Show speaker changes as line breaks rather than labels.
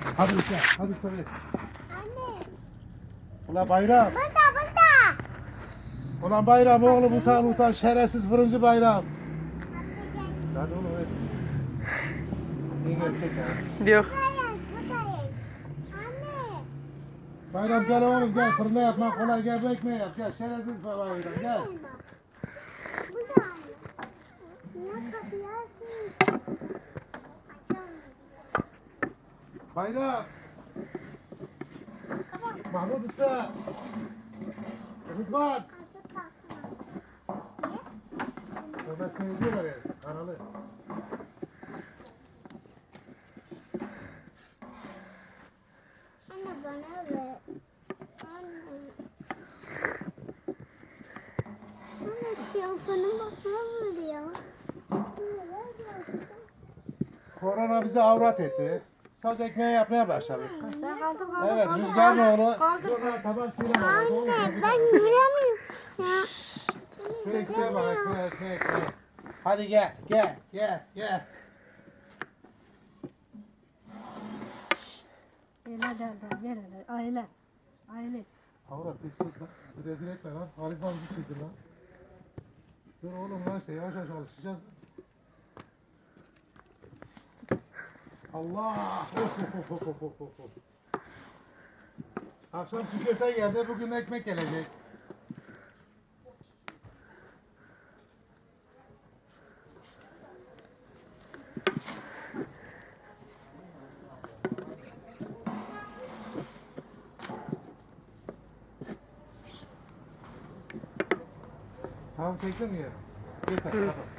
Hadi usta, hadi usta ver.
Anne.
Ulan Bayram.
Burada.
Ulan Bayram oğlum utan şerefsiz fırıncı Bayram.
Anne gel.
Hadi oğlum ver. İyi gerçek ya.
Yok.
Buradayız. Anne.
Bayram gel oğlum gel fırında yapmak kolay gel bu ekmeği yap gel şerefsiz Bayram gel.
Burada anne. Niye kapıyı açmıyorsun? Açamıyorum.
Bayram. Mahmut usta. Rıdvan.
Açık kalsın.
Orada seni diyorlar ya kanalı.
Anne bana ver. Anne. Anne telefonum bana vuruyor.
Korona bizi avrat etti. Sadece ekmeği yapmaya başladık.
Sen kaldın
Evet Rüzgar'ın oğlu. Dur lan tamam sinema.
Anne ben göremiyorum. Ya.
Şu ekmeğe bak ekmeğe. Hadi gel.
Ver. Aile.
Avrat bir sus lan. Rezil etme lan. Harizman bizi çizdir lan. Dur oğlum lan işte yavaş alışacağız. Allah! Of. Akşam çiğ köfte geldi, bugün ekmek gelecek. Tamam çektin mi ya? Yeter, tamam.